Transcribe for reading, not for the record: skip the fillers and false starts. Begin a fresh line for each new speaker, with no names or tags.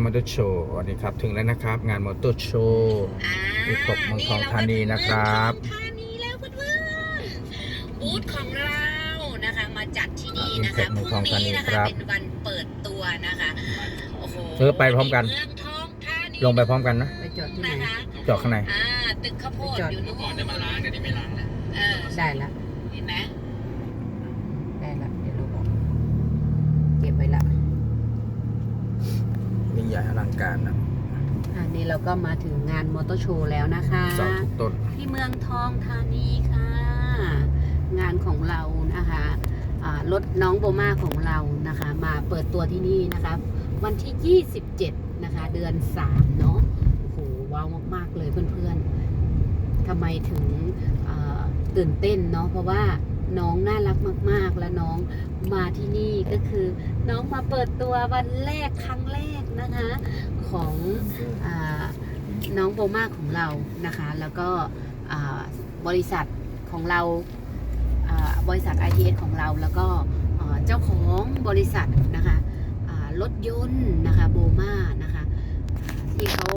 มอเตอร์โชว์สวัสดีครับถึงแล้วนะครับงานมอเตอร์โชว์ที่ขบเมืองทองธานีนะครับ
ธานีแล้วเพื่อนๆบูธของเรานะคะมาจัดที่นี่นะคะพรุ่งนี้นะคะเป็นวันเปิดตัวนะคะโอ้โห
ไปพร้อมกัน
เมืองทองธานี
ลงไปพร้อมกันนะ
ไปจอดที่ไหน
นะคะ
จอดข้างใน
ตึกข้าวโพดอยู่นู่น
ก่อนได้มาล้างแต่นี่ไม่ล้างแล้ว
ได้ละ
เห็นไหม
ได้ละเดี๋ยวเราบอกเก็บไว้ละ
ยิ่งใหญ่อลังการนะ
อันนี้เราก็มาถึงงานมอเตอร์โชว์แล้วนะคะ
เสาทุกต้น
ที่เมืองทองธานีค่ะ งานของเรานะคะรถน้องโบมาของเรานะคะ มาเปิดตัวที่นี่นะคะวันที่ 27 นะคะ เดือน 3 เนาะโอ้โหว้าวมากๆเลยเพื่อนๆทำไมถึงตื่นเต้นเนาะเพราะว่าน้องน่ารักมากๆ และน้องมาที่นี่ก็คือน้องมาเปิดตัววันแรกครั้งแรกนะคะของน้องโบมาของเรานะคะแล้วก็บริษัทของเราบริษัท ITS ของเราแล้วก็เจ้าของบริษัทนะคะรถยนต์นะคะโบมานะคะที่เขา